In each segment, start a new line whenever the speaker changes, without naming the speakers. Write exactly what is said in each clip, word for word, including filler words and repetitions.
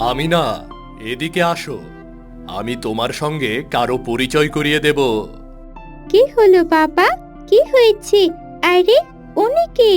আমিনা, এদিকে আসো। আমি তোমার সঙ্গে কারো পরিচয় করিয়ে দেব।
কি হলো বাবা? কি হয়েছে? আরে, উনি কে?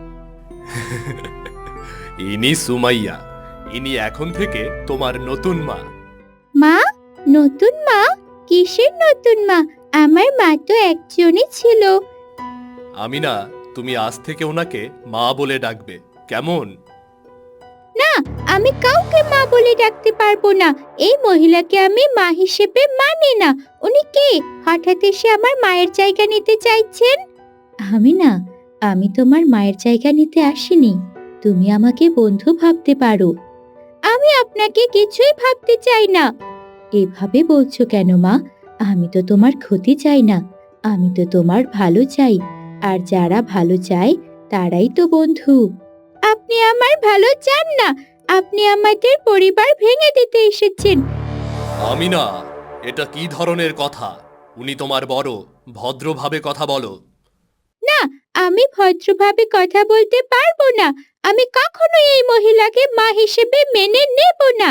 ইনি সুমাইয়া। ইনি এখন থেকে তোমার নতুন মা।
মা? নতুন মা? কিসের নতুন মা? আমার মা তো একজনই ছিল।
আমিনা, তুমি আজ থেকে ওনাকে মা বলে ডাকবে, কেমন?
না, আমি কাউকে মা বলে ডাকতে পারবো না। এই মহিলাকে আমি মা হিসেবে মানি না। উনি কে? হঠাৎ এসে আমার মায়ের জায়গা নিতে চাইছেন? আমি না, আমি তোমার মায়ের জায়গা নিতে আসিনি। তুমি আমাকে বন্ধু ভাবতে পারো। আমি আপনাকে কিছুই ভাবতে চাই না। এভাবে বলছো কেন মা? আমি তো তোমার ক্ষতি চাই না। আমি তো তোমার ভালো চাই। আর যারা ভালো চায় তারাই তো বন্ধু। আপনি আমার ভালো চান না। আপনি আমাদের পরিবার ভেঙে দিতে এসেছেন।
আমিনা, এটা কি ধরনের কথা? উনি তোমার বড়, ভদ্রভাবে কথা বলো।
না, আমি ভদ্রভাবে কথা বলতে পারবো না। আমি কখনো এই মহিলাকে মা হিসেবে মেনে নেব না।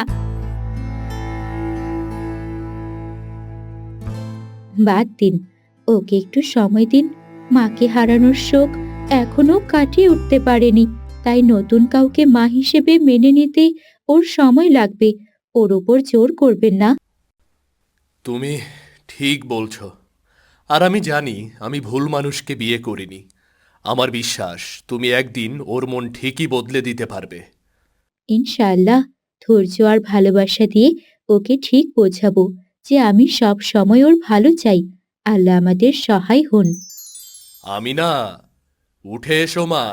বাদ দিন, ওকে একটু সময় দিন। মাকে হারানোর শোক এখনো কাটিয়ে উঠতে পারেনি, তাই নতুন কাউকে মা হিসেবে মেনে নিতে ওর সময় লাগবে। ওর ওপর জোর করবেন না।
তুমি ঠিক বলছো। আর আমি জানি আমি ভুল মানুষকে বিয়ে করিনি। আমার বিশ্বাস তুমি একদিন ওর মন ঠিকই বদলে দিতে পারবে।
ইনশাআল্লাহ, ধৈর্য আর ভালোবাসা দিয়ে ওকে ঠিক বোঝাবো যে আমি সব সময় ওর ভালো চাই। আল্লাহ আমাদের সহায় হন।
আমিনা, উঠে এসো মা।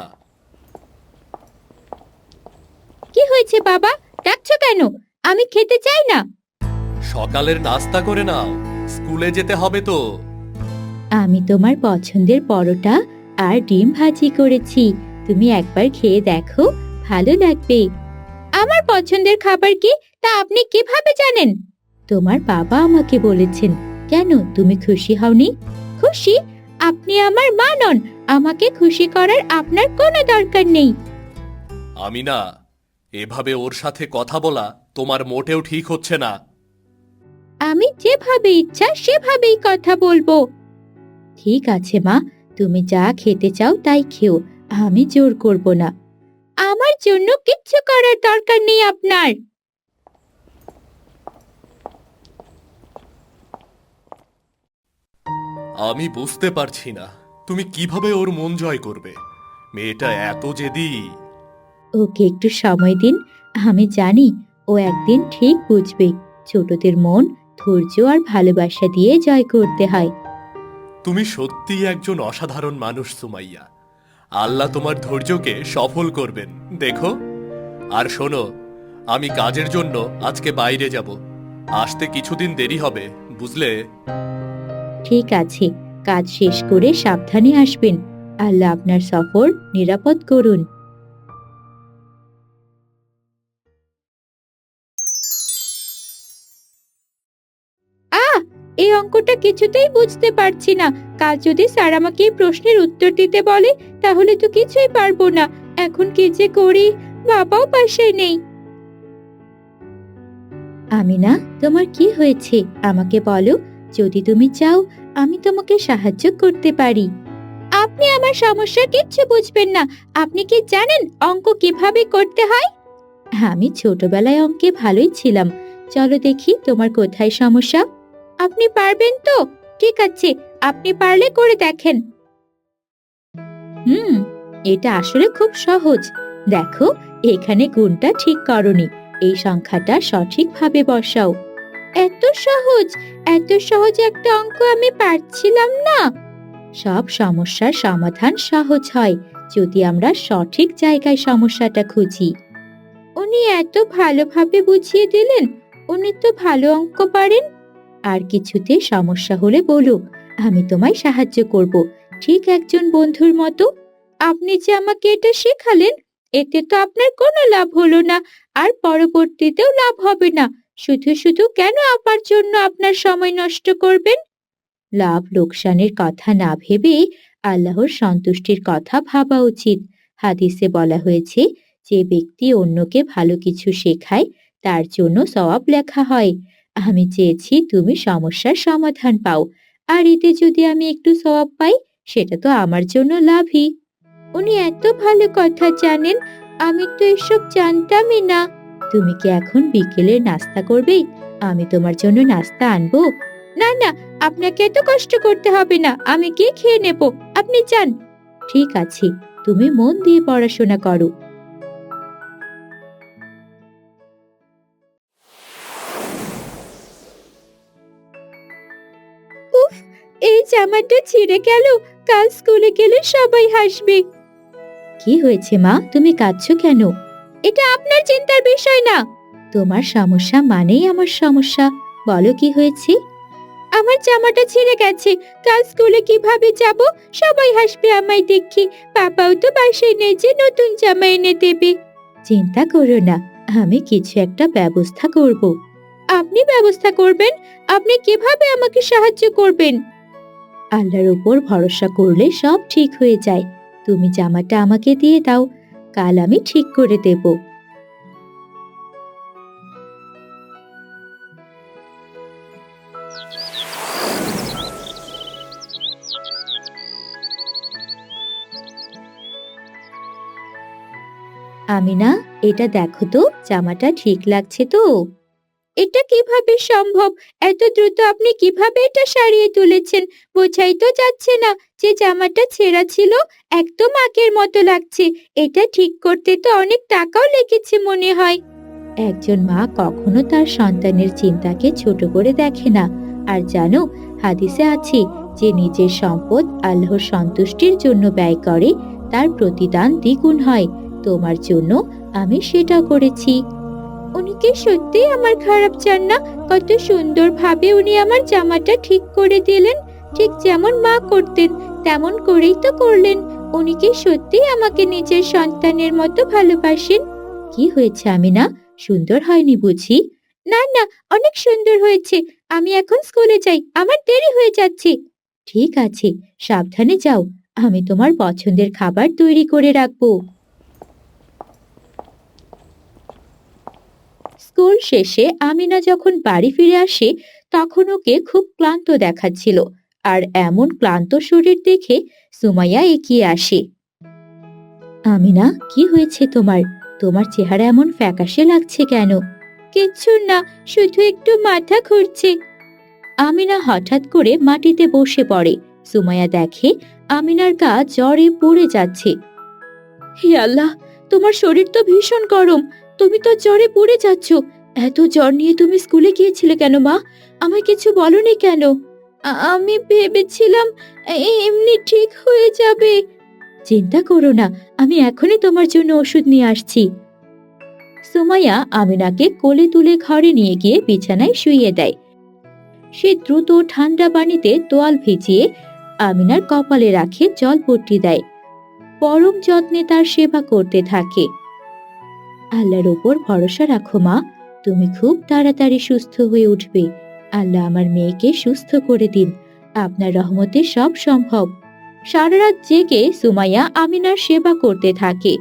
কি হয়েছে বাবা? ডাকছো কেন? আমি খেতে চাই না।
সকালের নাস্তা করে নাও, স্কুলে যেতে হবে তো।
আমি তোমার পছন্দের পরোটা আর ডিম ভাজি করেছি। তুমি একবার খেয়ে দেখো, ভালো লাগবে। আমার পছন্দের খাবার কি তা আপনি কিভাবে জানেন? তোমার বাবা আমাকে বলেছেন। কেন, তুমি খুশি হওনি? খুশি? আপনি আমার মা নন। আমাকে খুশি করার আপনার কোনো দরকার নেই।
আমিনা, এভাবে ওর সাথে কথা বলা তোমার মোটেও ঠিক হচ্ছে না।
আমি যেভাবে ইচ্ছা সেভাবেই কথা বলবো। ঠিক আছে মা, তুমি যা খেতে চাও তাই খেও। আমি জোর করব না। আমার জন্য কিচ্ছু করার দরকার নেই আপনার।
আমি বুঝতে পারছি না তুমি কিভাবে ওর মন জয় করবে। মেয়েটা এত জেদি।
ওকে একটু সময় দিন। আমি জানি ও একদিন ঠিক বুঝবে। ছোটদের মন ধৈর্য আর ভালোবাসা দিয়ে জয় করতে হয়।
তুমি সত্যিই একজন অসাধারণ মানুষ সুমাইয়া। আল্লাহ তোমার ধৈর্যকে সফল করবেন, দেখো। আর শোনো, আমি কাজের জন্য আজকে বাইরে যাব। আসতে কিছুদিন দেরি হবে, বুঝলে?
ঠিক আছে, কাজ শেষ করে সাবধানে আসবেন। আল্লাহ আপনার সফর নিরাপদ করুন। আহ, এই অঙ্কটা কিছুতেই বুঝতে পারছি না। কাল যদি স্যার আমাকে এই প্রশ্নের উত্তর দিতে বলে তাহলে তো কিছুই পারবো না। এখন কি যে করি? বাবাও পাশে নেই। আমিনা, তোমার কি হয়েছে আমাকে বলো। যদি তুমি চাও আমি তোমাকে সাহায্য করতে পারি। আপনি আমার সমস্যা কিচ্ছু বুঝবেন না। আপনি কি জানেন অঙ্ক কিভাবে করতে হয়? আমি ছোটবেলায় অঙ্কে ভালোই ছিলাম। চলো দেখি তোমার কোথায় সমস্যা। আপনি পারবেন তো? ঠিক আছে, আপনি পারলে করে দেখেন। হুম, এটা আসলে খুব সহজ। দেখো, এখানে গুণটা ঠিক করনি। এই সংখ্যাটা সঠিকভাবে বসাও। এত সহজ? এত সহজ একটা অঙ্ক আমি পারছিলাম না। সব সমস্যার সমাধান সহজ হয় যদি আমরা সঠিক জায়গায় সমস্যাটা খুঁজি। উনি এত ভালোভাবে বুঝিয়ে দিলেন। উনি তো ভালো অঙ্ক পারেন। আর কিছুতে সমস্যা হলে বলো, আমি তোমায় সাহায্য করব, ঠিক একজন বন্ধুর মতো। আপনি যে আমাকে এটা শেখালেন, এতে তো আপনার কোনো লাভ হলো না, আর পরবর্তীতেও লাভ হবে না। শুধু শুধু কেন আমার জন্য আপনার সময় নষ্ট করবেন? লাভ লোকসানের কথা না ভেবে আল্লাহর সন্তুষ্টির কথা ভাবা উচিত। হাদিসে বলা হয়েছে, যে ব্যক্তি অন্যকে ভালো কিছু শেখায় তার জন্য সওয়াব লেখা হয়। আমি চেয়েছি তুমি সমস্যার সমাধান পাও, আর এতে যদি আমি একটু সওয়াব পাই সেটা তো আমার জন্য লাভই। উনি এত ভালো কথা জানেন, আমি তো এসব জানতামই না। তুমি কি এখন বিকেলের নাস্তা করবে? আমি তোমার জন্য নাস্তা আনবো। না না, আপনাকে এত কষ্ট করতে হবে না, আমি গিয়ে খেয়ে নেব, আপনি যান। ঠিক আছে, তুমি মন দিয়ে পড়াশোনা করো। উফ, এই জামাটা ছিঁড়ে গেল, কাল স্কুলে গেলে সবাই হাসবে। কি হয়েছে মা, তুমি কাঁদছো কেন? এটা আপনার চিন্তার বিষয় না। তোমার সমস্যা মানেই আমার সমস্যা। বলো কি হয়েছে? আমার জামাটা ছিঁড়ে গেছে, কাল স্কুলে কিভাবে যাব? সবাই হাসবে আমায় দেখি। পাপাও তো বাসায় নেই যে নতুন জামা এনে দেবে। চিন্তা করো না, আমি কিছু একটা ব্যবস্থা করব। আপনি ব্যবস্থা করবেন? আপনি কিভাবে আমাকে সাহায্য করবেন? আল্লাহর উপর ভরসা করলে সব ঠিক হয়ে যায়। তুমি জামাটা আমাকে দিয়ে দাও, কাল আমি ঠিক করে দেব। আমিনা, এটা দেখো তো, জামাটা ঠিক লাগছে তো? এটা কিভাবে সম্ভব? এত দ্রুত আপনি কিভাবে এটা সারিয়ে তুলেছেন? বোঝাই তো যাচ্ছে না যে জামাটা ছেঁড়া ছিল। একদম আগের মতো লাগছে। এটা ঠিক করতে তো অনেক টাকাও লেগেছে মনে হয়। একজন মা কখনো তার সন্তানের চিন্তাকে ছোট করে দেখে না। আর জানো, হাদিসে আছে যে নিজের সম্পদ আল্লাহর সন্তুষ্টির জন্য ব্যয় করে তার প্রতিদান দ্বিগুণ হয়। তোমার জন্য আমি সেটা করেছি। উনি কি সত্যিই আমার খারাপ চান না? কত সুন্দরভাবে উনি আমার জামাটা ঠিক করে দিলেন। ঠিক যেমন মা করতেন তেমন করেই তো করলেন। উনি কি সত্যিই আমাকে নিজের সন্তানের মতো ভালোবাসেন? কি হয়েছে আমিনা, সুন্দর হয়নি বুঝি? না না, অনেক সুন্দর হয়েছে। আমি এখন স্কুলে যাই, আমার দেরি হয়ে যাচ্ছে। ঠিক আছে, সাবধানে যাও। আমি তোমার পছন্দের খাবার তৈরি করে রাখবো। স্কুল শেষে আমিনা যখন বাড়ি ফিরে আসে তখন ওকে খুব ক্লান্ত দেখাচ্ছিল। আর এমন ক্লান্ত শরীর দেখে সুমাইয়া এগিয়ে আসে। আমিনা, কি হয়েছে তোমার? তোমার চেহারা এমন ফ্যাকাশে লাগছে কেন? কিচ্ছু না, শুধু একটু মাথা ঘুরছে। আমিনা হঠাৎ করে মাটিতে বসে পড়ে। সুমাইয়া দেখে আমিনার গা জ্বরে পুড়ে যাচ্ছে। হে আল্লাহ, তোমার শরীর তো ভীষণ গরম, তুমি তো জ্বরে পুড়ে যাচ্ছ। এত জ্বর নিয়ে তুমি স্কুলে গিয়েছিলে কেন মা? আমায় কিছু বলনি কেন? আ- আমি ভেবেছিলাম এ- এমনি ঠিক হয়ে যাবে। চিন্তা করো না, আমি এখনই তোমার জন্য ওষুধ নিয়ে আসছি। সুমাইয়া আমিনাকে কোলে তুলে ঘরে নিয়ে গিয়ে বিছানায় শুইয়ে দেয়। সে দ্রুত ঠান্ডা পানিতে তোয়াল ভিজিয়ে আমিনার কপালে রাখে জলপট্টি দেয়। পরম যত্নে তার সেবা করতে থাকে। আল্লাহর ওপর ভরসা রাখো মা, তুমি খুব তাড়াতাড়ি সুস্থ হয়ে উঠবে। আল্লাহ আমার মেয়েকে সুস্থ করে দিন, আপনার রহমতে সব সম্ভব। সারা রাত জেগে সুমাইয়া আমিনার সেবা করতে থাকে।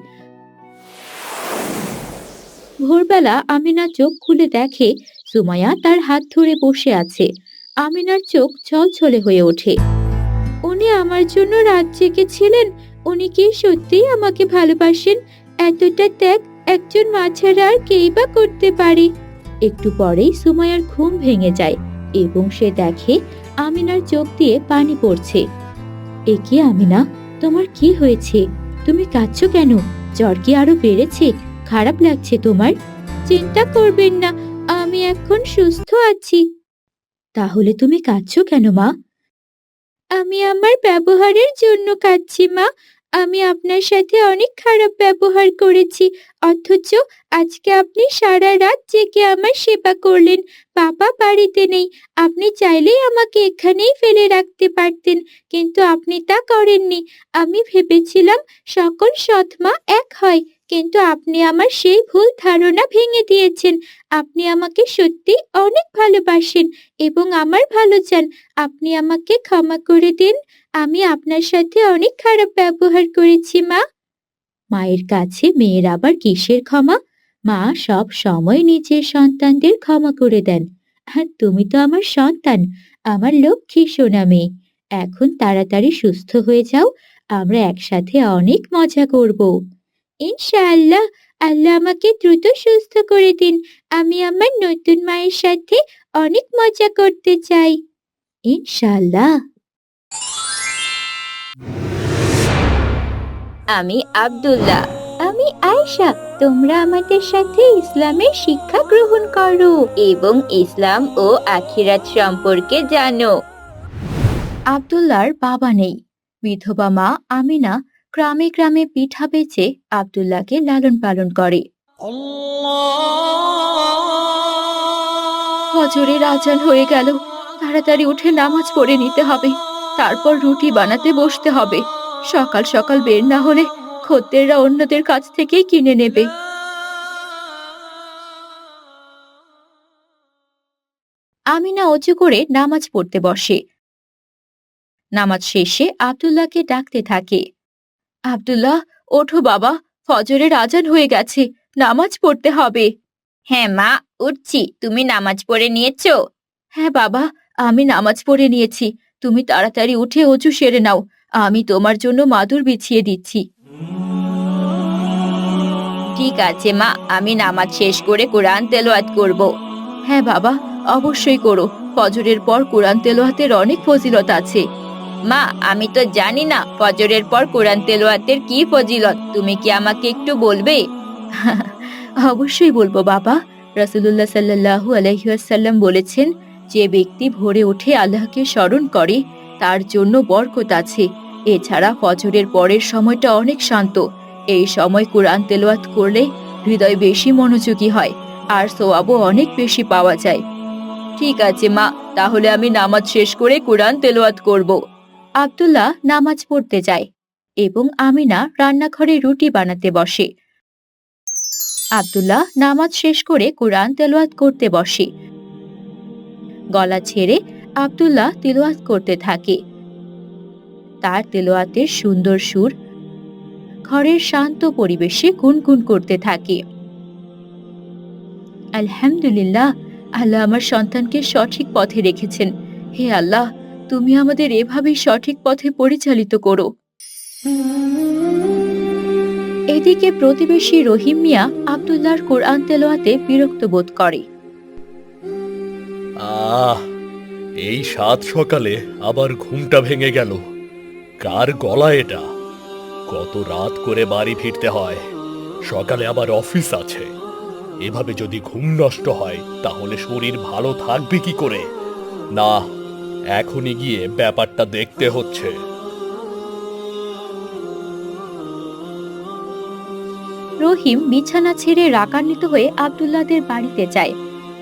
ভোরবেলা আমিনা চোখ খুলে দেখে সুমাইয়া তার হাত ধরে বসে আছে। আমিনার চোখ ছলছলে হয়ে ওঠে। উনি আমার জন্য রাত জেগেছিলেন। উনি কি সত্যিই আমাকে ভালোবাসেন? এতটা ত্যাগ একজন মা ছাড়া আর কেই বা করতে পারে? একটু পরেই সুমাইয়ার ঘুম ভেঙে যায় এবং সে দেখে আমিনার চোখ দিয়ে পানি পড়ছে। এ কি আমিনা, তোমার কি হয়েছে? তুমি কাঁদছো কেন? জ্বর কি আরো বেড়েছে? খারাপ লাগছে তোমার? চিন্তা করবেন না, আমি এখন সুস্থ আছি। তাহলে তুমি কাঁদছো কেন মা? আমি আমার ব্যবহারের জন্য কাঁদছি মা। আমি আপনার সাথে অনেক খারাপ ব্যবহার করেছি, অথচ আজকে আপনি সারা রাত জেগে আমার সেবা করলেন। বাবা বাড়িতে নেই, আপনি চাইলেই আমাকে এখানেই ফেলে রাখতে পারতেন, কিন্তু আপনি তা করেননি। আমি ভেবেছিলাম সকল সৎ মা এক হয়, কিন্তু আপনি আমার সেই ভুল ধারণা ভেঙে দিয়েছেন। আপনি আমাকে সত্যি অনেক ভালোবাসেন এবং আমার ভালো চান। আপনি আমাকে ক্ষমা করে দিন। আমি আপনার সাথে অনেক খারাপ ব্যবহার করেছি মা। মায়ের কাছে মেয়ের আবার কিসের ক্ষমা? মা সব সময় নিজের সন্তানদের ক্ষমা করে দেন। আর তুমি তো আমার সন্তান, আমার লক্ষ্মী সোনা মেয়ে। এখন তাড়াতাড়ি সুস্থ হয়ে যাও, আমরা একসাথে অনেক মজা করব। ইনশাআল্লাহ, আল্লাহ আমাকে দ্রুত সুস্থ করে দিন। আমি আমার নতুন মায়ের সাথে অনেক মজা করতে চাই। ইনশাআল্লাহ। আমি আব্দুল্লাহ। আমি আয়েশা। তোমরা আমাদের সাথে ইসলামের শিক্ষা গ্রহণ করো এবং ইসলাম ও আখিরাত সম্পর্কে জানো। আব্দুল্লাহর বাবা নেই। বিধবা মা আমিনা গ্রামে গ্রামে পিঠা বেচে আব্দুল্লাহকে লালন পালন করে। ফজরের আজান হয়ে গেল, তাড়াতাড়ি উঠে নামাজ পড়ে নিতে হবে, তারপর রুটি বানাতে বসতে হবে। সকাল সকাল বের না হলে খদ্দেররা অন্যদের কাছ থেকেই কিনে নেবে। আমিনা অজু করে নামাজ পড়তে বসে। নামাজ শেষে আব্দুল্লাহকে ডাকতে থাকে। আব্দুল্লাহ, ওঠো বাবা, ফজরের আজান হয়ে গেছে, নামাজ পড়তে হবে। হ্যাঁ মা, উঠছি। তুমি নামাজ পড়ে নিয়েছো? হ্যাঁ বাবা, আমি নামাজ পড়ে নিয়েছি। তুমি তাড়াতাড়ি উঠে অজু সেরে নাও, আমি তোমার জন্য মাদুর বিছিয়ে দিচ্ছি। ঠিক আছে মা, আমি নামাজ শেষ করে কোরআন তেলাওয়াত করব। হ্যাঁ বাবা, অবশ্যই করো। ফজরের পর কোরআন তেলাওয়াতের অনেক ফজিলত আছে। মা, আমি তো জানি না ফজরের পর কোরআন তেলাওয়াতের কি ফজিলত, তুমি কি আমাকে একটু বলবে? অবশ্যই বলবো বাবা। রাসূলুল্লাহ সাল্লাল্লাহু আলাইহি ওয়াসাল্লাম বলেছেন, যে ব্যক্তি ভোরে উঠে আল্লাহকে স্মরণ করে তার জন্য বরকত আছে। এছাড়া ফজরের পরের সময়টা অনেক শান্ত। এই সময় কোরআন তেলাওয়াত করলে হৃদয় বেশি মনোযোগী হয় আর সওয়াবও অনেক বেশি পাওয়া যায়। ঠিক আছে মা, তাহলে আমি নামাজ শেষ করে কোরআন তেলাওয়াত করব। আব্দুল্লাহ নামাজ পড়তে যায় এবং আমিনা রান্নাঘরে রুটি বানাতে বসে। আব্দুল্লাহ নামাজ শেষ করে কোরআন তেলাওয়াত করতে বসে। গলা ছেড়ে আব্দুল্লাহ তেলাওয়াত করতে থাকে। তার তেলাওয়াতের সুন্দর সুর ঘরের শান্ত পরিবেশে গুনগুন করতে থাকে। আলহামদুলিল্লাহ, আল্লাহ আমার সন্তানকে সঠিক পথে রেখেছেন। হে আল্লাহ, তুমি আমাদের এভাবেই সঠিক পথে পরিচালিত করো। এদিকে প্রতিবেশী রহিম মিয়া আব্দুল্লাহর কোরআন তেলাওয়াতে বিরক্ত বোধ করে।
আহ, এই সাত সকালে আবার ঘুমটা ভেঙে গেল। কার গলা এটা? কত রাত করে বাড়ি ফিরতে হয়, সকালে আবার অফিস আছে। এভাবে যদি ঘুম নষ্ট হয় তাহলে শরীর ভালো থাকবে কি করে? না, এখনই গিয়ে ব্যাপারটা দেখতে হচ্ছে।
রহিম বিছানা ছেড়ে রাগান্বিত হয়ে আব্দুল্লাহদের বাড়িতে যায়।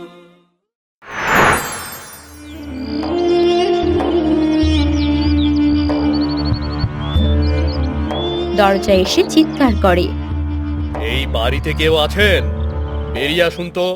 দরজায় এসে চিৎকার করে,
এই বাড়িতে কেউ আছেন? বেরিয়ে আসুন তো।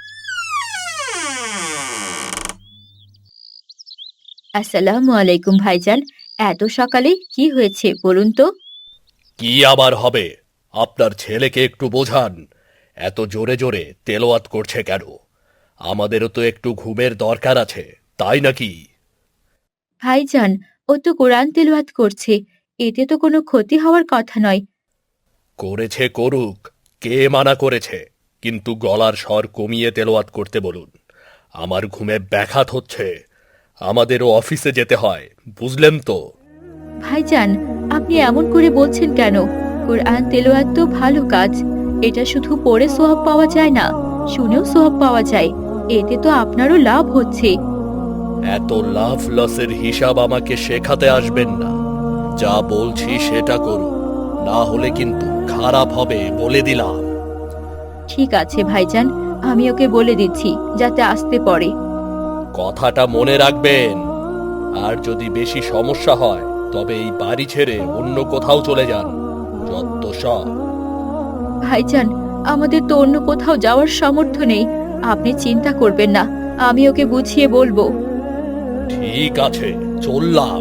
আসসালামু আলাইকুম ভাইজান, এত সকালে কি হয়েছে বলুন তো?
কি আবার হবে? আপনার ছেলেকে একটু বোঝান, এত জোরে জোরে তেলাওয়াত করছে কেন? আমাদেরও তো একটু ঘুমের দরকার আছে, তাই নাকি?
ভাইজান, ও তো কোরআন তেলাওয়াত করছে, এতে তো কোনো ক্ষতি হওয়ার কথা নয়।
করেছে করুক, কে মানা করেছে? কিন্তু গলার স্বর কমিয়ে তেলাওয়াত করতে বলুন। আমার ঘুমে ব্যাঘাত হচ্ছে, আমাদেরও অফিসে যেতে হয়, বুঝলেন তো?
ভাইজান, আপনি এমন করে বলছেন কেন? কোরআন তেলাওয়াত তো ভালো কাজ, এটা শুধু পড়ে সওয়াব পাওয়া যায় না, শুনেও সওয়াব পাওয়া যায়। এতে তো আপনারও লাভ হচ্ছে।
এত লাভ লসের হিসাব আমাকে শেখাতে আসবেন না। যা বলছি সেটা করুন, না হলে কিন্তু খারাপ হবে বলে দিলাম।
ঠিক আছে ভাইজান, আমি ওকে বলে দিচ্ছি যাতে আসতে পারে।
কথাটা মনে রাখবেন। আর যদি বেশি সমস্যা হয় তবে এই বাড়ি ছেড়ে অন্য কোথাও চলে যান। যত সব।
ভাইজান, আমাদের তো অন্য কোথাও যাওয়ার সামর্থ্য নেই, আপনি চিন্তা করবেন না, আমি ওকে বুঝিয়ে বলবো।
ঠিক আছে, চললাম।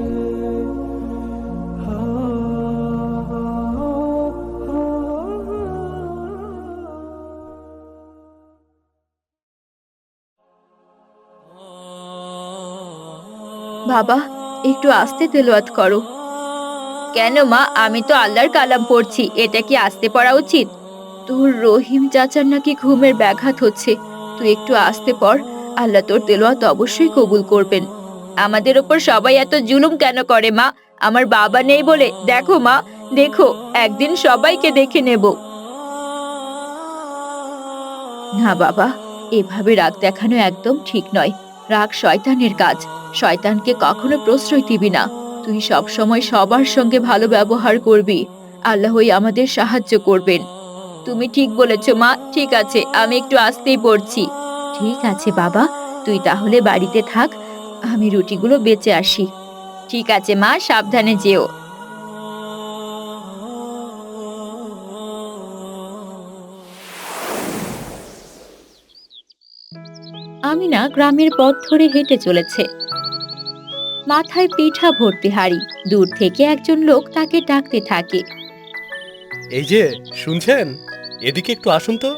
বাবা, একটু আস্তে তেলাওয়াত করো। কেন মা, আমি তো আল্লাহর কালাম পড়ছি, এটা কি আস্তে পড়া উচিত? তোর রহিম চাচার নাকি ঘুমের ব্যাঘাত হচ্ছে, তুই একটু আস্তে পড়। আল্লাহ তোর তেলাওয়াত অবশ্যই কবুল করবেন। আমাদের ওপর সবাই এত জুলুম কেন করে মা? আমার বাবা নেই বলে? দেখো মা, দেখো, একদিন সবাইকে দেখে নেব। না বাবা, এভাবে রাগ দেখানো একদম ঠিক নয়। রাগ শয়তানের কাজ। শয়তানকে কখনো প্রশ্রয় দিবি না। তুই সব সময় সবার সঙ্গে ভালো ব্যবহার করবি। আল্লাহই আমাদের সাহায্য করবেন। তুমি ঠিক বলেছ মা, ঠিক আছে, আমি একটু আস্তেই পড়ছি। ঠিক আছে বাবা, তুই তাহলে বাড়িতে থাক, আমি রুটিগুলো বেঁচে আসি। ঠিক আছে মা, সাবধানে যেও। আমিনা গ্রামের পথ ধরে হেঁটে চলেছে, মাথায় পিঠা ভর্তি হাঁড়ি। দূর থেকে একজন লোক তাকে ডাকতে থাকে।
এই যে, শুনছেন? এদিকে একটু আসুন তো।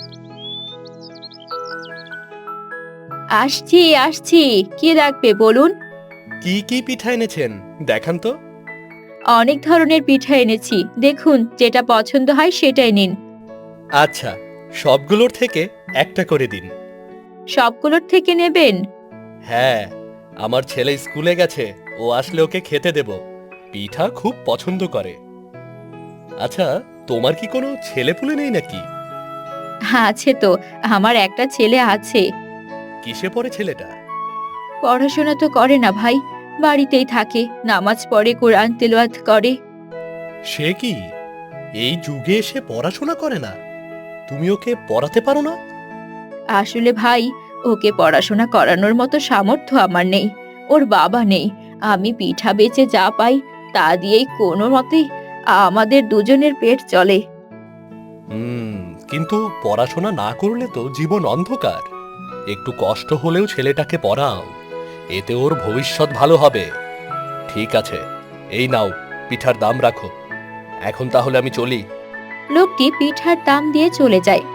আসছি আসছি, কি ডাকবে বলুন?
কি কি পিঠা এনেছেন দেখান তো।
অনেক ধরনের পিঠা এনেছি, দেখুন যেটা পছন্দ হয় সেটাই নিন।
আচ্ছা, সবগুলোর থেকে একটা করে দিন।
সবগুলোর থেকে নেবেন?
হ্যাঁ, আমার ছেলে স্কুলে গেছে, ও আসলে ওকে খেতে দেব। পিঠা খুব পছন্দ করে। আচ্ছা, তোমার কি কোনো ছেলেপুলে নেই নাকি?
আছে তো, আমার একটা ছেলে আছে।
কিসে পড়ে ছেলেটা?
পড়াশোনা তো করে না ভাই, বাড়িতেই থাকে, নামাজ পড়ে, কোরআন তেলাওয়াত করে।
সে কি, এই যুগে এসে পড়াশোনা করে না? তুমি ওকে পড়াতে পারো না?
আসলে ভাই, ওকে পড়াশোনা করানোর মতো সামর্থ্য আমার নেই, ওর বাবা নেই। আমি পিঠা বেচে যা পাই তা দিয়েই কোনো মতে আমাদের দুজনের পেট চলে।
হুম, কিন্তু পড়াশোনা না করলে তো জীবন অন্ধকার। একটু কষ্ট হলেও ছেলেটাকে পড়াও, এতে ওর ভবিষ্যৎ ভালো হবে। ঠিক আছে, এই নাও, পিঠার দাম রাখো। এখন তাহলে আমি চলি।
লোকটি পিঠার দাম দিয়ে চলে যায়।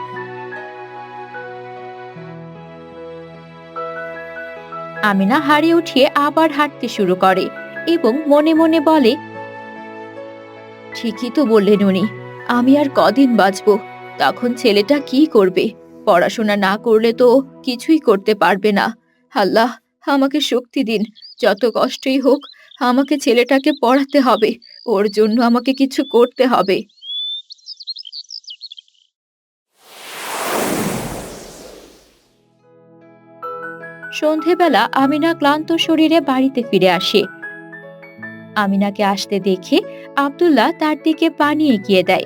আমিনা হাড়ি উঠিয়ে আবার হাঁটতে শুরু করে এবং মনে মনে বলে, ঠিকই তো বললেন উনি, আমি আর কদিন বাঁচবো? তখন ছেলেটা কি করবে? পড়াশোনা না করলে তো কিছুই করতে পারবে না। আল্লাহ, আমাকে শক্তি দিন। যত কষ্টই হোক, আমাকে ছেলেটাকে পড়াতে হবে, ওর জন্য আমাকে কিছু করতে হবে। সন্ধেবেলা আমিনা ক্লান্ত শরীরে বাড়িতে ফিরে আসে। আমিনাকে আসতে দেখে আব্দুল্লাহ তার দিকে পানি এগিয়ে দেয়।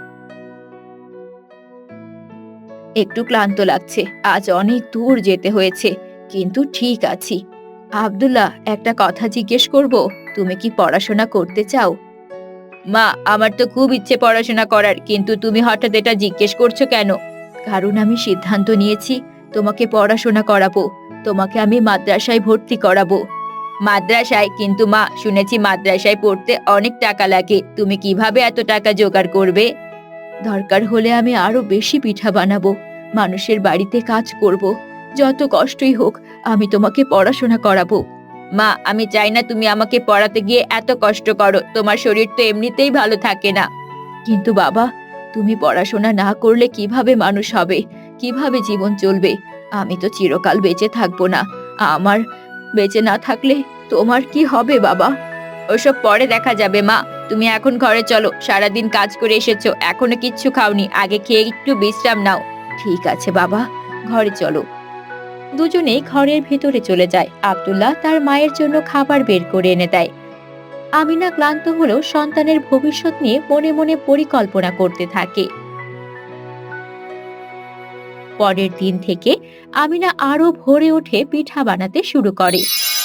একটু ক্লান্ত লাগছে, আজ অনেক দূর যেতে হয়েছে, কিন্তু ঠিক আছি। আব্দুল্লাহ, একটা কথা জিজ্ঞেস করব, তুমি কি পড়াশোনা করতে চাও? মা, আমার তো খুব ইচ্ছে পড়াশোনা করার, কিন্তু তুমি হঠাৎ এটা জিজ্ঞেস করছো কেন? কারণ আমি সিদ্ধান্ত নিয়েছি তোমাকে পড়াশোনা করাবো, তোমাকে আমি মাদ্রাসায় ভর্তি করাবো। মাদ্রাসায়? কিন্তু মা, শুনেছি মাদ্রাসায় পড়তে অনেক টাকা লাগে, তুমি কিভাবে এত টাকা জোগাড় করবে? দরকার হলে আমি আরো বেশি পিঠা বানাবো, মানুষের বাড়িতে কাজ করব, যত কষ্টই হোক আমি তোমাকে পড়াশোনা করাবো। মা, আমি চাই না তুমি আমাকে পড়াতে গিয়ে এত কষ্ট করো, তোমার শরীর তো এমনিতেই ভালো থাকে না। কিন্তু বাবা, তুমি পড়াশোনা না করলে কিভাবে মানুষ হবে, কিভাবে জীবন চলবে? আমি তো চিরকাল বেঁচে থাকবো না, আমার বেঁচে না থাকলে তোমার কি হবে বাবা? ওসব পরে দেখা যাবে মা, তুমি এখন ঘরে চলো, সারাদিন কাজ করে এসেছো, এখনো কিচ্ছু খাওনি, আগে খেয়ে একটু বিশ্রাম নাও। ঠিক আছে বাবা, ঘরে চলো। দুজনেই ঘরের ভেতরে চলে যায়। আব্দুল্লাহ তার মায়ের জন্য খাবার বের করে এনে দেয়। আমিনা ক্লান্ত হলেও সন্তানের ভবিষ্যৎ নিয়ে মনে মনে পরিকল্পনা করতে থাকে। পরের দিন থেকে আমিনা আরো ভোরে উঠে পিঠা বানাতে শুরু করে।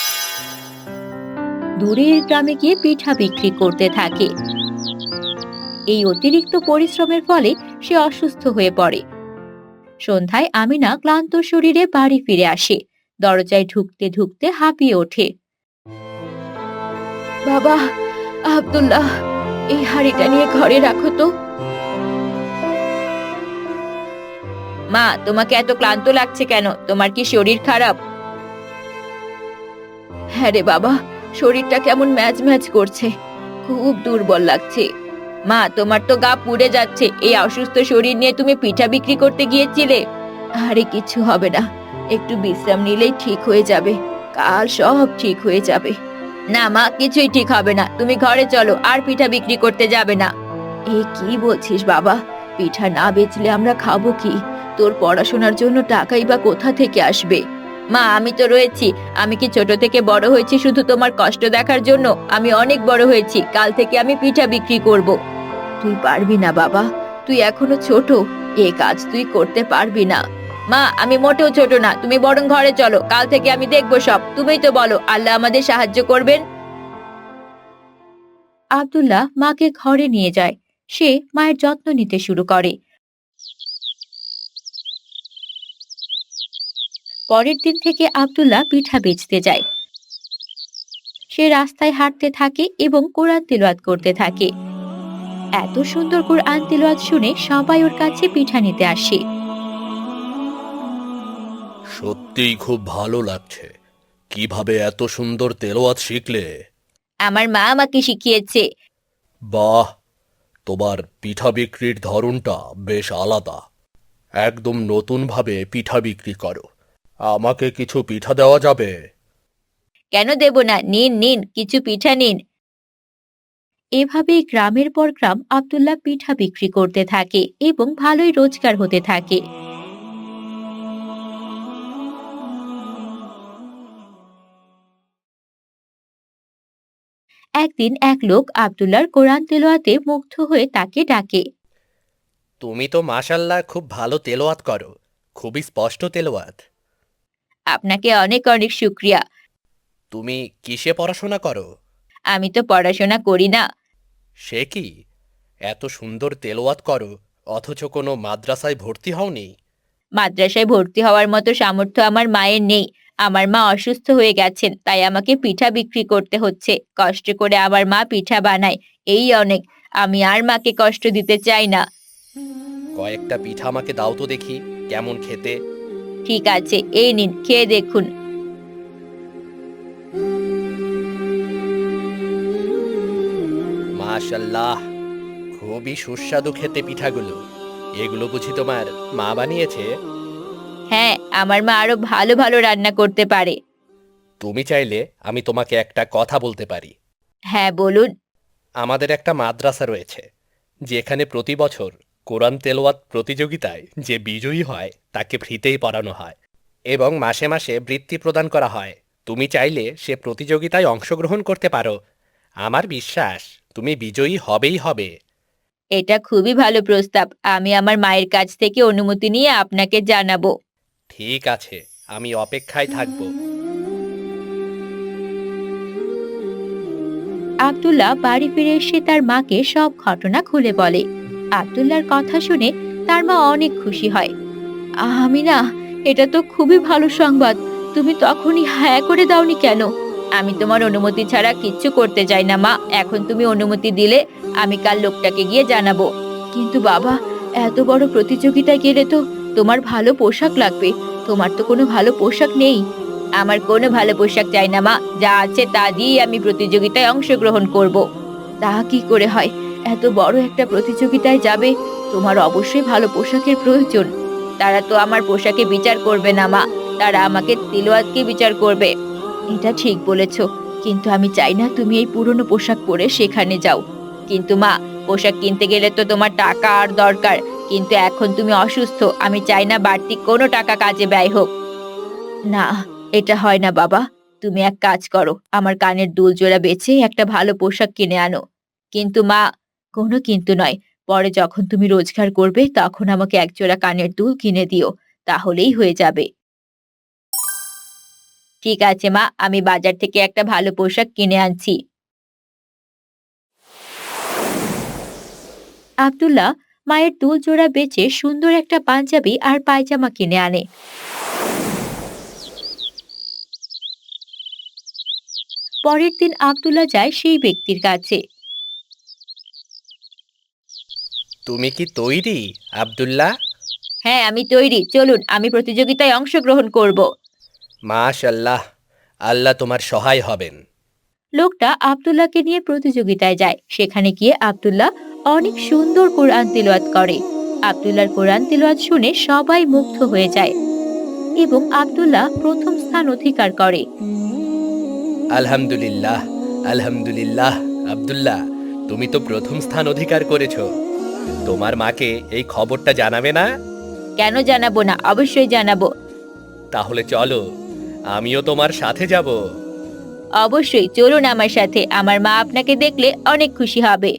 দূরের গ্রামে গিয়ে পিঠা বিক্রি করতে থাকে। এই অতিরিক্ত পরিশ্রমের ফলে সে অসুস্থ হয়ে পড়ে। সন্ধ্যায় আমিনা ক্লান্ত শরীরে বাড়ি ফিরে আসে। দরজায় ঢুকতে ঢুকতে হাঁপিয়ে ওঠে। বাবা, আব্দুল্লাহ, এই হাঁড়িটা নিয়ে ঘরে রাখো তো। মা, তোমাকে এত ক্লান্ত লাগছে কেন? তোমার কি শরীর খারাপ? হ্যাঁ রে বাবা, শরীরটা কেমন ম্যাজ ম্যাজ করছে, খুব দুর্বল লাগছে। মা, তোমার তো গা পুড়ে যাচ্ছে, এই অসুস্থ শরীর নিয়ে তুমি পিঠা বিক্রি করতে গিয়েছিলে? আরে কিছু হবে না, একটু বিশ্রাম নিলেই ঠিক হয়ে যাবে, কাল সব ঠিক হয়ে যাবে। না মা, কিছুই ঠিক হবে না, তুমি ঘরে চলো, আর পিঠা বিক্রি করতে যাবে না। এ কি বলছিস বাবা, পিঠা না বেচলে আমরা খাবো কি? তোর পড়াশোনার জন্য টাকাই বা কোথা থেকে আসবে? মা, আমি তো রয়েছি, আমি কি ছোট থেকে বড় হয়েছি শুধু তোমার কষ্ট দেখার জন্য? আমি অনেক বড় হয়েছি, কাল থেকে আমি পিঠা বিক্রি করব। তুই পারবি না বাবা, তুই এখনো ছোট, এ কাজ তুই করতে পারবি না। মা, আমি মোটেও ছোট না, তুমি বরং ঘরে চলো, কাল থেকে আমি দেখবো সব। তুমিই তো বলো আল্লাহ আমাদের সাহায্য করবেন। আব্দুল্লাহ মাকে ঘরে নিয়ে যায়। সে মায়ের যত্ন নিতে শুরু করে। পরের দিন থেকে আব্দুল্লাহ পিঠা বেচতে যায়। সে রাস্তায় হাঁটতে থাকে এবং কোরআন তিলাওয়াত করতে থাকে। এত সুন্দর কোরআন তিলাওয়াত শুনে সবাই ওর কাছে পিঠা নিতে আসে।
সত্যিই খুব ভালো লাগছে। কিভাবে এত সুন্দর তেলাওয়াত শিখলে?
আমার মা আমাকে শিখিয়েছে।
বাহ, তোমার পিঠা বিক্রির ধরনটা বেশ আলাদা। একদম নতুনভাবে পিঠা বিক্রি করো। আমাকে কিছু পিঠা দেওয়া যাবে?
কেন দেব না, নিন নিন, কিছু পিঠা নিন। এভাবেই গ্রামের পর গ্রাম আব্দুল্লাহ পিঠা বিক্রি করতে থাকে এবং ভালোই রোজগার হতে থাকে। একদিন এক লোক আব্দুল্লাহর কোরআন তেলাওয়াতে মুগ্ধ হয়ে তাকে ডাকে।
তুমি তো মাশাল্লাহ খুব ভালো তেলাওয়াত করো, খুবই স্পষ্ট তেলাওয়াত।
আপনাকে অনেক অনেক শুক্রিয়া।
তুমি কিসে পড়াশোনা করো?
আমি তো পড়াশোনা করি না।
সে কি, এত সুন্দর তেলাওয়াত করো অথচ কোনো মাদ্রাসায় ভর্তি হওনি?
মাদ্রাসায় ভর্তি হওয়ার মতো সামর্থ্য আমার মায়ের নেই। আমার মা অসুস্থ হয়ে গেছেন, তাই আমাকে পিঠা বিক্রি করতে হচ্ছে। কষ্ট করে আমার মা পিঠা বানায়, এই অনেক। আমি আর মাকে কষ্ট দিতে চাই না।
কয়েকটা পিঠা আমাকে দাও তো দেখি, কেমন খেতে।
ঠিক আছে, এই নিন, খেয়ে দেখুন।
মাশাল্লাহ, খুবই সুস্বাদু খেতে পিঠাগুলো। এগুলো বুঝি তোমার মা বানিয়েছে?
হ্যাঁ, আমার মা আরো ভালো ভালো রান্না করতে পারে।
তুমি চাইলে আমি তোমাকে একটা কথা বলতে পারি।
হ্যাঁ বলুন।
আমাদের একটা মাদ্রাসা রয়েছে, যেখানে প্রতি বছর কোরআন তেলাওয়াত প্রতিযোগিতায় যে বিজয়ী হয় তাকে ফ্রিতেই পড়ানো হয় এবং মাসে মাসে বৃত্তি প্রদান করা হয়। তুমি চাইলে সে প্রতিযোগিতায় অংশগ্রহণ করতে পারো। আমার বিশ্বাস তুমি বিজয়ী হবেই হবে।
এটা খুবই ভালো প্রস্তাব, আমি আমার মায়ের কাছ থেকে অনুমতি নিয়ে আপনাকে জানাবো।
ঠিক আছে, আমি অপেক্ষায় থাকব।
আব্দুল্লাহ বাড়ি ফিরে এসে তার মাকে সব ঘটনা খুলে বলে। আব্দুল্লাহর কথা শুনে তার মা অনেক খুশি হয়। আমি না, এটা তো খুবই ভালো সংবাদ। তুমি তখনই হ্যাঁ করে দাওনি কেন? আমি তোমার অনুমতি ছাড়া কিচ্ছু করতে চাই না মা, এখন তুমি অনুমতি দিলে আমি কাল লোকটাকে গিয়ে জানাবো। কিন্তু বাবা, এত বড় প্রতিযোগিতায় গেলে তো তোমার ভালো পোশাক লাগবে। তোমার তো কোনো ভালো পোশাক নেই। আমার কোনো ভালো পোশাক চাই না মা, যা আছে তা দিয়ে আমি প্রতিযোগিতায় অংশগ্রহণ করব। তা কি করে হয়? এত বড় একটা প্রতিযোগিতায় যাবে, তোমার অবশ্যই ভালো পোশাকের প্রয়োজন। তারা তো আমার পোশাকে বিচার করবে না মা, তারা আমাকে তিলওয়াতকে বিচার করবে। এটা ঠিক বলেছ, কিন্তু আমি চাই না তুমি এই পুরনো পোশাক পরে সেখানে যাও। কিন্তু মা, পোশাক কিনতে গেলে তো তোমার টাকা আর দরকার, কিন্তু এখন তুমি অসুস্থ, আমি চাই না বাড়তি কোনো টাকা কাজে ব্যয় হোক। না, এটা হয় না বাবা। তুমি এক কাজ করো, আমার কানের দুল জোড়া বেচে একটা ভালো পোশাক কিনে আনো। কিন্তু মা, কোনো কিন্তু নয়, পরে যখন তুমি রোজগার করবে তখন আমাকে এক জোড়া কানের দুল কিনে দিও, তাহলেই হয়ে যাবে। ঠিক আছে মা, আমি বাজার থেকে একটা ভালো পোশাক কিনে আনছি। আব্দুল্লাহ মায়ের দুল জোড়া বেচে সুন্দর একটা পাঞ্জাবি আর পায়জামা কিনে আনে। পরের দিন আব্দুল্লাহ যায় সেই ব্যক্তির কাছে।
তুমি কি তৈরি, আব্দুল্লাহ?
হ্যাঁ, আমি তৈরি, চলুন, আমি প্রতিযোগিতায় অংশগ্রহণ করব।
মাশাল্লাহ, আল্লাহ তোমার সহায় হবেন।
লোকটা আব্দুল্লাহকে নিয়ে প্রতিযোগিতায় যায়। সেখানে গিয়ে আব্দুল্লাহ অনেক সুন্দর কোরআন তিলাওয়াত করে। আব্দুল্লাহর কোরআন তিলাওয়াত শুনে সবাই মুগ্ধ হয়ে যায় এবং আব্দুল্লাহ প্রথম স্থান অধিকার করে।
আলহামদুলিল্লাহ, আলহামদুলিল্লাহ। আব্দুল্লাহ, তুমি তো প্রথম স্থান অধিকার করেছো। তোমার মাকে এই খবরটা জানাবে না?
কেন জানাবো না, অবশ্যই জানাবো।
তাহলে চলো, আমিও তোমার সাথে যাব।
অবশ্যই চলুন আমার সাথে, আমার মা আপনাকে দেখলে অনেক খুশি হবে।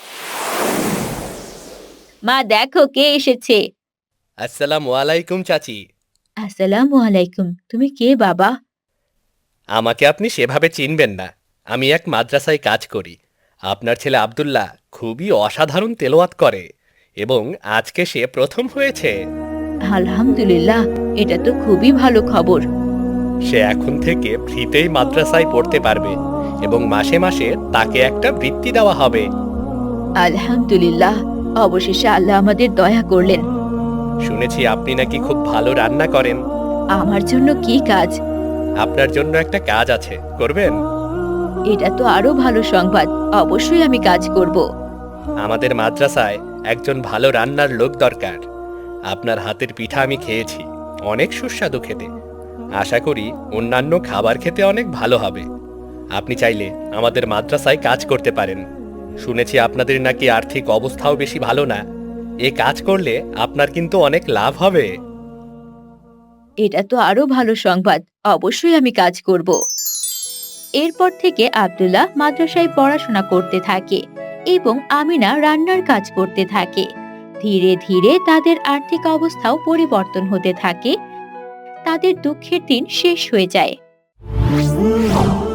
মা দেখো কে এসেছে।
আসসালামু আলাইকুম চাচি।
আসসালামু আলাইকুম। তুমি কে বাবা?
আমাকে আপনি সেভাবে চিনবেন না। আমি এক মাদ্রাসায় কাজ করি। আপনার ছেলে আব্দুল্লাহ খুবই অসাধারণ তেলাওয়াত করে এবং আজকে সে প্রথম হয়েছে।
আলহামদুলিল্লাহ, এটা তো খুবই ভালো খবর।
সে এখন থেকে ফ্রিতেই মাদ্রাসায় পড়তে পারবে এবং মাসে মাসে তাকে একটা বৃত্তি দেওয়া হবে।
আলহামদুলিল্লাহ, অবশেষে আল্লাহ আমাদের দয়া করলেন।
শুনেছি আপনি নাকি খুব ভালো রান্না করেন।
আমার জন্য কি কাজ?
আপনার জন্য একটা কাজ আছে, করবেন?
এটা তো আরো ভালো সংবাদ, অবশ্যই আমি কাজ করব।
আমাদের মাদ্রাসায় একজন ভালো রান্নার লোক দরকার। আপনার হাতের পিঠা আমি খেয়েছি, অনেক সুস্বাদু খেতে। আশা করি অন্যান্য খাবার খেতে অনেক ভালো হবে। আপনি চাইলে আমাদের মাদ্রাসায় কাজ করতে পারেন। শুনেছি আপনাদের নাকি আর্থিক অবস্থাও বেশি ভালো না। এ কাজ করলে আপনার কিন্তু অনেক লাভ হবে।
এটা তো আরো ভালো সংবাদ, অবশ্যই আমি কাজ করব। এরপর থেকে আব্দুল্লাহ মাদ্রাসায় পড়াশোনা করতে থাকে এবং আমিনা রান্নার কাজ করতে থাকে। ধীরে ধীরে তাদের আর্থিক অবস্থাও পরিবর্তন হতে থাকে। তাদের দুঃখের দিন শেষ হয়ে যায়।